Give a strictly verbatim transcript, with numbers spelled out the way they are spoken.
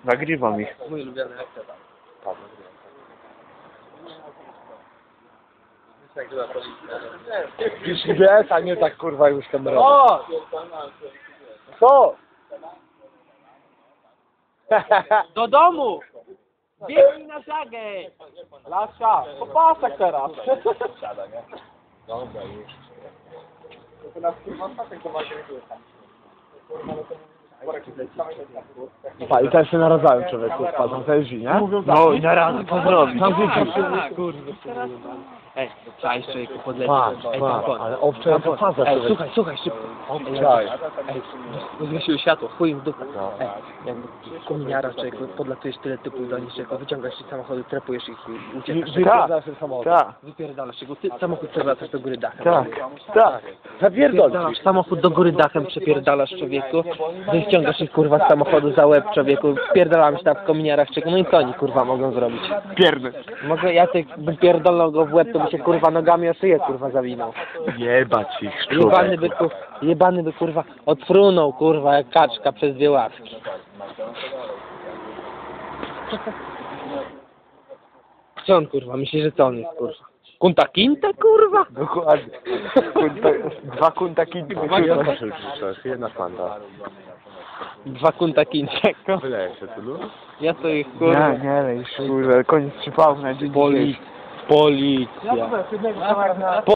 Nagrywam ich. Mój ulubiony aktor. Już wiesz, a nie tak kurwa już kamerą. O! Co? Do domu! Biegnij na żagę! Lasza, po pasach teraz. Dobra, już. Pa, i teraz się naradzają człowieku, spadną te drzwi, nie? No i na razie co zrobić? Tam widzisz. Ej, czaj człowieku, podleci. Patrz, Ej, patrz, tam ale owcze jak to faza Ej, człowiek. słuchaj, słuchaj, szybko. Czaj. Ej, zgasiły światło, chuj im w dupę. No. Ej, jakby kominiara, człowieku, podlatujesz tyle typów do nich, człowieku, wyciągasz ich z samochodu, trepujesz ich i uciekasz. Wypierdalasz ten samochód. Tak, Wypierdalasz go, ty samochód przewracasz do góry dachem. tak, tak. Zapierdol. Wypierdalasz samochód do góry dachem, przepierdalasz człowieku, wyciągasz ich kurwa z samochodu za łeb człowieku, wpierdalamy się tam w kominiarach człowieku, no i co oni kurwa mogą zrobić? Pierdol. Mogę, ja tych bym pierdolnął go w łeb, to by się kurwa nogami o szyję kurwa zawinął. Jebać ich, Jebany by, człowieku. ku, jebany by kurwa odfrunął kurwa jak kaczka przez dwie ławki. Co on kurwa, myśli, że co on jest kurwa? Kunta Kinte kurwa? Dokładnie. Kunta, dwa kunta kinty. Jedna fanta. Dwa Kunta Kinte. Wyleje się tu, no? Ja to ich kurwa. Nie, nie, już kurde, koniec przypału na dzień Poli... dzisiejszy. Policja.